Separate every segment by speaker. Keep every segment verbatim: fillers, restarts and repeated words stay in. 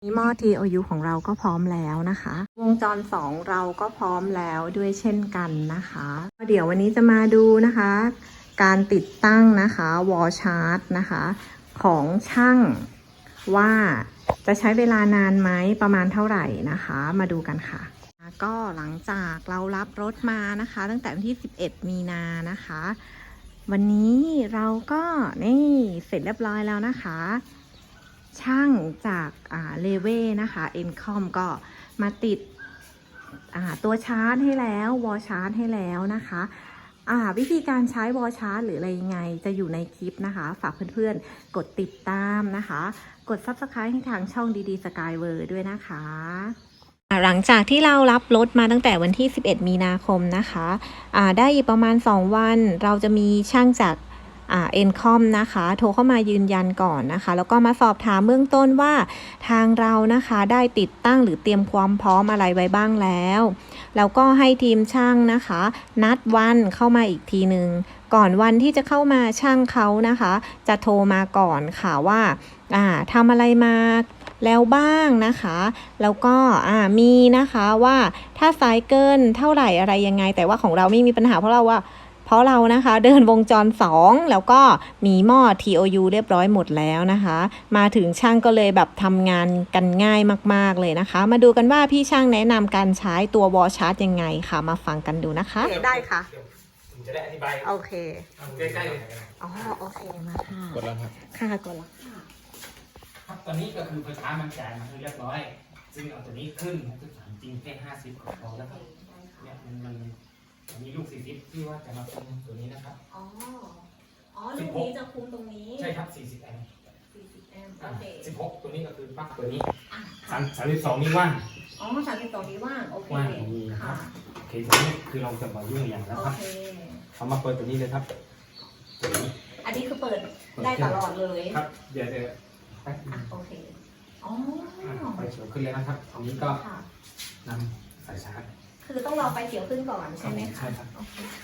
Speaker 1: หม้อ ที โอ ยู ของเราก็พร้อมแล้วนะคะวงจรสองเราก็พร้อมแล้วด้วยเช่นกันนะคะเดี๋ยววันนี้จะมาดูนะคะการติดตั้งนะคะวอลชาร์จนะคะของช่างว่าจะใช้เวลานานไหมประมาณเท่าไหร่นะคะมาดูกันค่ะก็หลังจากเรารับรถมานะคะตั้งแต่วันที่สิบเอ็ดมีนานะคะวันนี้เราก็นี่เสร็จเรียบร้อยแล้วนะคะช่างจากเลเว่นะคะเอ็นคอมก็มาติดตัวชาร์จให้แล้ววอลชาร์จให้แล้วนะคะวิธีการใช้วอลชาร์จหรืออะไรยังไงจะอยู่ในคลิปนะคะฝากเพื่อนๆกดติดตามนะคะกด ซับสไครบ์ ให้ทางช่องดีๆสกายเวอร์ด้วยนะคะหลังจากที่เรารับรถมาตั้งแต่วันที่สิบเอ็ดมีนาคมนะคะได้อีกประมาณสองวันเราจะมีช่างจากอ่า เอ็น คอม นะคะโทรเข้ามายืนยันก่อนนะคะแล้วก็มาสอบถามเบื้องต้นว่าทางเรานะคะได้ติดตั้งหรือเตรียมความพร้อมอะไรไว้บ้างแล้วแล้วก็ให้ทีมช่างนะคะนัดวันเข้ามาอีกทีหนึ่งก่อนวันที่จะเข้ามาช่างเขานะคะจะโทรมาก่อนค่ะว่าอ่าทำอะไรมาแล้วบ้างนะคะแล้วก็อ่ามีนะคะว่าถ้าสายเกินเท่าไหร่อะไรยังไงแต่ว่าของเราไม่มีปัญหาเพราะเราว่าเพราะเรานะคะเดินวงจรสองแล้วก็มีหม้อ ที โอ ยู เรียบร้อยหมดแล้วนะคะมาถึงช่างก็เลยแบบทำงานกันง่ายมากๆเลยนะคะมาดูกันว่าพี่ช่างแนะนำการใช้ตัววอลชาร์จยังไงค่ะมาฟังกันดูนะคะได้ค่ะ
Speaker 2: จะได้อธิบาย
Speaker 1: โอเค
Speaker 2: ใกล้ๆเลย
Speaker 1: อ๋อโอเคมาค่ะ
Speaker 2: กดแล้วครับ
Speaker 1: ค่ะกดแล้วค่ะ
Speaker 2: ครับตอนนี้ก็คือไฟฟ้ามันจ่ายมาเรียบร้อยซึ่งเอาตัวนี้ขึ้นคือถามจริงแค่ห้าสิบก็พอแล้วครับเนี่ยมันมันมีลูกสี่สิบที่ว่าจะมาคุมตัวนี้นะครับ
Speaker 1: อ๋ออ๋อลูกนี้จะคุมตรงนี้
Speaker 2: ใช่ครับสี่สิบแอมป์
Speaker 1: สี่สิบแอมป์โอเค
Speaker 2: สิบหกตัวนี้ก็คือปลั๊กตัวนี้สามสามสิบสองนี้ว่าง
Speaker 1: อ๋อสามสิบสองนี้ว่างโอเค
Speaker 2: ว่างตรงนี้นะครับโอเคตัวนี้คือเราจะมายุ่งอย่างนะครับเขามาเปิดตัวนี้เลยครับตัวนี้
Speaker 1: อันนี้คือเปิดได้ตลอดเลย
Speaker 2: ครับเดี๋ยวเดี๋ยว
Speaker 1: โอเคอ๋อ
Speaker 2: ไฟเขียวขึ้นเลยนะครับตรงนี้ก็นำสายชาร์จ
Speaker 1: คือต้องรอไฟเขียวขึ้นก่อนใช่ไหมคะ
Speaker 2: ใช่ครับ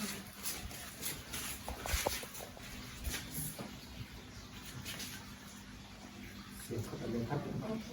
Speaker 2: เสียบเข้าไปเลยครับ
Speaker 1: โอเค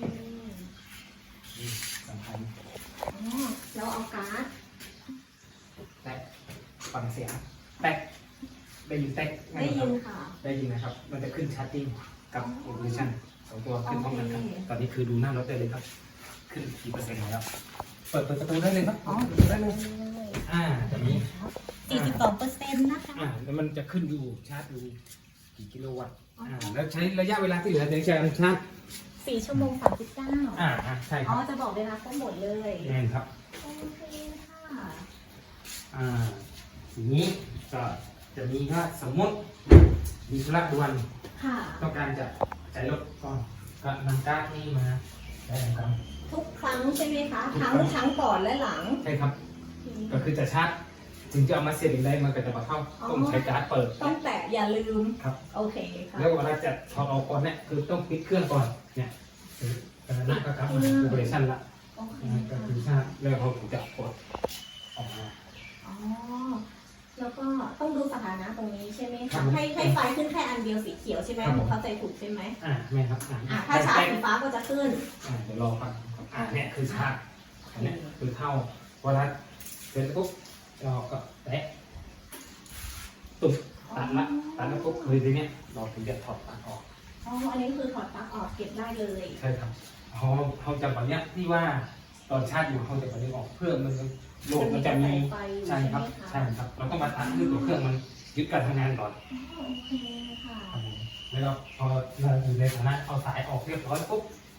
Speaker 2: สำคัญ
Speaker 1: อ๋อแล้วเอาการ์ด
Speaker 2: แตะฟังเสียงแตะได้ยินแตะ
Speaker 1: ได้ยินค่ะ
Speaker 2: ได้ยินนะครับมันจะขึ้นชาร์จติ้งกับโอเปอเรชั่นสองตัวขึ้นพร้อมกันครับตอนนี้คือดูหน้ารถได้เลยครับขึ้นกี่เปอร์เซ็นต์แล้วเปิดประตูได้เลยครับอ๋อได้เลยอ่าจะมี
Speaker 1: สี่สิบสองเปอร์เซ็นต์นะคะ
Speaker 2: อ่าแล้วมันจะขึ้นดูชาร์จดูกี่กิโลวัตต์อ่าแล้วใช้ระยะเวลาที่เหลือในการชาร์จ
Speaker 1: สี่ชั่วโมงสามสิบเก้า
Speaker 2: อ่าใช่ครับ
Speaker 1: อ๋อจะบอกเวลาทั้งหมดเลย
Speaker 2: แน่นครับ
Speaker 1: โอเคค่ะ
Speaker 2: อ่าทีนี้ก็จะมีว่าสมมติมีธุระด่วนต้องการจะใช้รถก่อนก็นำการ์ดนี้มาได้ครับ
Speaker 1: ทุกครั้งใช่ไหมคะทั้งทั้งก่อนและหลัง
Speaker 2: ใช่ครับก็คือจะชาร์จถึงจะเอามาเสียบได้มันก็จะมาเข้าต้องใช้การ์ดเปิด
Speaker 1: ต้องแตะอย่าลืม
Speaker 2: ครับ
Speaker 1: โอเคค่ะ
Speaker 2: แล้วเวลาจะถอดออกก่อนเนี่ยคือต้องปิดเครื่องก่อนเนี่ยตอนนั้นก็ครับมันโอเปอเรชั่นละก็คือชาร์จแล้วเขาถึงจะกดออกมา
Speaker 1: อ๋อแล้วก็ต้องดูสถานะตรงนี้ใช่ไหมคะให้ให้ไฟขึ้นแค่อันเดียวสีเขียวใช่ไหมผมเข้าใจถูกใช่ไหม
Speaker 2: อ่าไม่ครับ
Speaker 1: อ่าถ้าชาร์จสีฟ้าก็จะขึ้น
Speaker 2: อ่าเดี๋ยวรอฟังอ่าเนี่ยคือชาร์จอันนี้คือเข้าเวลาเสร็จปุ๊บเราก็แตะตุ่มตัดละตัดแล้วปุ๊บคือทีนี้เราถึงจะถอดปลั๊กออก
Speaker 1: อ๋ออันนี้คือถอดปลั๊กออกเก็บได้เลย
Speaker 2: ใช่ครับเขาเขาจะแบบนี้ที่ว่าตอนชาร์จอยู่เขาจะแบบนี้ออกเพื่อมันโหลดมันจะมีใช่ครับใช่ครับเราต้องมาตัดให้ตัวเครื่องมันยึดการทำงานก่อน
Speaker 1: โอเคค่ะ
Speaker 2: แล้วพอเราอยู่ในฐานะเอาสายออกเรียบร้อยปุ๊บ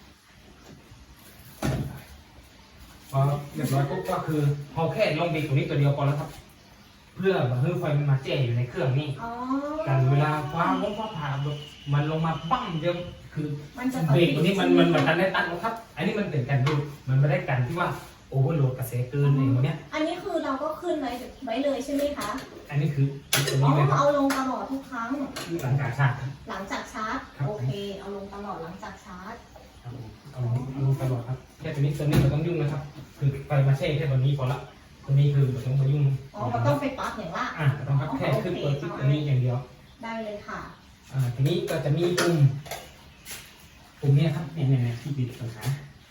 Speaker 2: พอเรียบร้อยปุ๊บก็คือพอแค่ลงเบรกตรงนี้ตัวเดียวพอแล้วครับเพื่อเพื่อไฟมันมาแจ้อยู่ในเครื่องนี้กันเวลาฟ้าล้มฟ้าผ่ามันลงมาปั้งเดียวคือเบรกตัวนี้มันมันเหมือนกันได้ตัดแล้วครับอันนี้มันเป็นการดูมันไม่ได้กันที่ว่าโอเวอร์โหลดกระแสเกินอะไรอย่างเงี้ย
Speaker 1: อันนี้คือเราก็ขึ้นไว้ไว้เลยใช่ไหมคะ
Speaker 2: อันนี้คือตัวนี้เลยครับ
Speaker 1: เอาลงตลอดทุกครั้ง
Speaker 2: หลังจากชาร์จ
Speaker 1: หลังจากชาร์จโอเคเอาลงตลอดหลังจากชาร์จ
Speaker 2: เอาลงตลอดครับแค่ตัวนี้ตัวนี้เราต้องยุ่งนะครับคือไฟมาแช่แค่ตัวนี้พอละตัวนี้คือเราต้องมายุ่ง
Speaker 1: อ๋อเราต้องไปปลั๊กอย่างว่า
Speaker 2: อ่าต้องครับแค่ขึ้นตัวที่ตัวนี้อย่างเดียว
Speaker 1: ได้เลยค่ะ
Speaker 2: อ่าทีนี้ก็จะมีปุ่มปุ่มนี้ครับเนี่ยเนี่ยที่ปิดปัญหา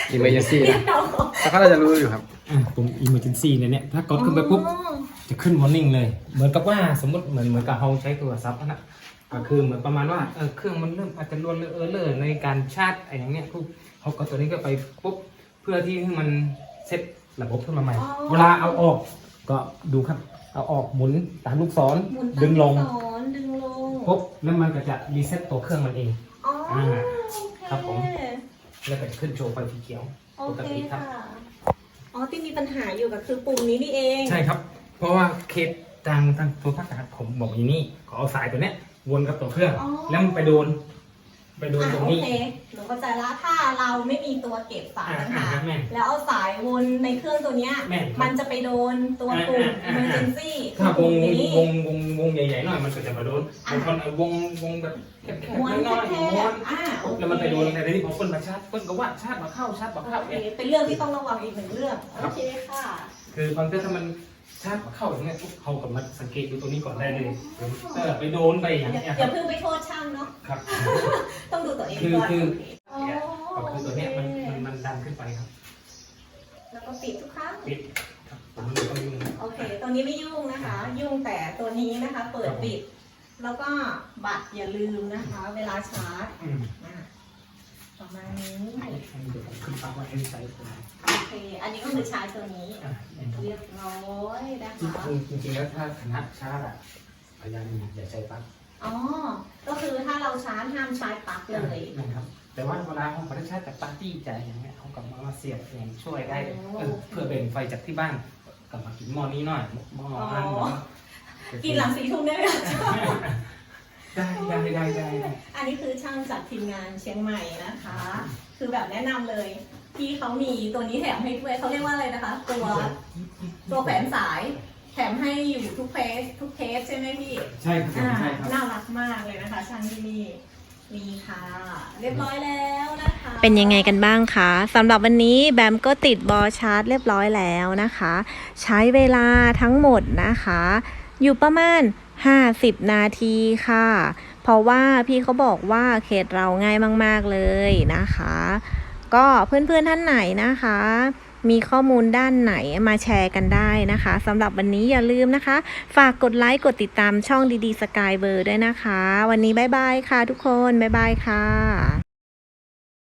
Speaker 3: emergency นะแต่เขาน่าจะรู้อยู่ครับ
Speaker 2: อ่ะตรง emergency เนี่ยเนี่ยถ้ากดขึ้นไปปุ๊บจะขึ้น warning เลย เหมือนกับว่าสมมติเหมือนเหมือนกับเราใช้โทรศัพท์นะก็คือเหมือนประมาณว่าเออเครื่องมันเริ่มอาจจะรวนเออเลอในการชาร์จอะไรอย่างเงี้ยปุ๊บเขาก็ตัวนี้ก็ไปปุ๊บเพื่อที่ให้มันเซตระบบขึ้นมาใหม่ เวลาเอาออกก็ดูครับเอาออกหมุนตามลูกศร
Speaker 1: หมุนตาม
Speaker 2: ดึงลง
Speaker 1: ลูกศรดึงลง
Speaker 2: ปุ๊บแล้วมันก็จะรีเซ็ตตัวเครื่องมันเอง
Speaker 1: อ๋ออ่
Speaker 2: า
Speaker 1: โอเค
Speaker 2: ครับผม แล้วก็จะขึ้นโชว์ไฟสีเขียว
Speaker 1: โอ
Speaker 2: ปก
Speaker 1: เค
Speaker 2: ติครั
Speaker 1: ค่ะ
Speaker 2: บ
Speaker 1: อ๋อที่มีปัญหาอยู่ก็คือปุ่มนี้นี่เอง
Speaker 2: ใช่ครับ เพราะว่าเคสทางทางตัวภาคการผมบอกอย่างนี้ขอเอาสายตัวเนี้ยวนกับตัวเครื่อง
Speaker 1: อ๋อ
Speaker 2: แล้วมันไปโดน ไปโดน
Speaker 1: อ่ะ
Speaker 2: ตรง
Speaker 1: โอ
Speaker 2: นี้
Speaker 1: เคหนูเข้าใจละถ้าเราไม่มีตัวเก็บสาย
Speaker 2: อ่า
Speaker 1: ปัญหา
Speaker 2: อ่าแม่น
Speaker 1: แล้วเอาสายวนในเครื่องตัวเนี้ย
Speaker 2: แม่นครับ
Speaker 1: มันจะไปโดนตัวปุ่ม
Speaker 2: อ่าอ่าอ่า
Speaker 1: emergency
Speaker 2: ถ้าว
Speaker 1: ปุ่
Speaker 2: ง
Speaker 1: มนี้
Speaker 2: วงวงวงใหญ่ๆหน่อยมันก็จะมาโดน
Speaker 1: อ่ะ
Speaker 2: บางคนเอาวงวงแบบแคบ
Speaker 1: ม้วน
Speaker 2: ๆน้อย
Speaker 1: แค
Speaker 2: ๆม้ว
Speaker 1: บ
Speaker 2: น
Speaker 1: ๆอ่าโอเค
Speaker 2: แล้วมันไปโดนในที่พอเปิ้ลมาชาร์จเปิ้ลก็ว่าชาร์จมาเข้าชาร์จมาเข้า
Speaker 1: โอเค
Speaker 2: เนี่ย
Speaker 1: เป็นเรื่องที่ต้องระวังอีกหนึ่งเรื่อง โอเคค่ะ
Speaker 2: คือบางทีถ้ามันชาร์จมาเข้าอย่างเงี้ยปุ๊บเขากับมันสังเกตดูตัวนี้ก่อนได้เลยเออไปโดนไปอย่าง
Speaker 1: อย่า
Speaker 2: เงี้ย
Speaker 1: อ
Speaker 2: ครั
Speaker 1: ย่า
Speaker 2: บ
Speaker 1: เพิ่งไปโทษช่างเนาะ
Speaker 2: ครับ
Speaker 1: ต้องดูตัวเอง
Speaker 2: คือ
Speaker 1: ก่อน
Speaker 2: คือ
Speaker 1: โอเค
Speaker 2: เนี่ย
Speaker 1: อ๋อ
Speaker 2: ก็คือตัวเนี้ยมันมันมันดันขึ้นไปครับ
Speaker 1: แล้วก็ปิดทุกครั้ง
Speaker 2: ปิดครับผมเลยต้องยุ่ง
Speaker 1: โอเค ตัวนี้ไม่ยุ่งนะคะ ยุ่งแต่ตัวนี้นะคะ เปิดปิด แล้วก็บัตรอย่าลืมนะคะ เวลาชาร์จ
Speaker 2: อืม
Speaker 1: อ่ะประมาณนี้
Speaker 2: เดี๋ยวผมขึ้นปั๊บว่าให้ใช้ตัวนี้
Speaker 1: โอเค อันนี้ก็คือชาร์จตัวนี้
Speaker 2: อ่ะเนี่ยครับ
Speaker 1: เรียบร้อยนะคะ
Speaker 2: จริงๆแล้วถ้าคณะชาร์จอะพยายามอย่าใช้ปลั๊ก
Speaker 1: อ๋อ ก็คือถ้าเราชาร์จห้ามใช้ปลั๊กเลย
Speaker 2: นะครับ แต่ว่าเวลาเขาไม่ชาร์จจากปาร์ตี้ใจอย่างเงี้ยเขากลับมามาเสียบอย่างช่วยได้
Speaker 1: อ๋อ
Speaker 2: เออเพื่อแบ่งไฟจากที่บ้านกลับมากินหม้อนี้หน่อยหม้ออันหม้อ
Speaker 1: กินหลังสี่ทุ่มได้ไหมคะ
Speaker 2: ได้ได้ได้ได้ได้
Speaker 1: อันนี้คือช่างจากทีมงานเชียงใหม่นะคะ คือแบบแนะนำเลย พี่เขามีตัวนี้แถมให้ด้วยเขาเรียกว่าอะไรนะคะ ตัวตัวแขวนสาย แถมให้อยู่ทุกเพสทุกเทสใช่ไหมพี่
Speaker 2: ใช่ครับผม
Speaker 1: อ่า
Speaker 2: ใช่ครับ
Speaker 1: น่ารักมากเลยนะคะ ช่างที่นี่มีค่ะ เรียบร้อยแล้วนะคะ
Speaker 4: เป็นยังไงกันบ้างคะสำหรับวันนี้แบมก็ติดบอชาร์จเรียบร้อยแล้วนะคะ ใช้เวลาทั้งหมดนะคะ อยู่ประมาณห้าสิบนาทีค่ะ เพราะว่าพี่เขาบอกว่าเคสเราง่ายมากๆเลยนะคะ ก็เพื่อนๆท่านไหนนะคะ มีข้อมูลด้านไหนมาแชร์กันได้นะคะสำหรับวันนี้อย่าลืมนะคะ ฝากกดไลค์กดติดตามช่องดีๆสกายเบอร์ด้วยนะคะ วันนี้บ๊ายบายค่ะทุกคนบ๊ายบายค่ะ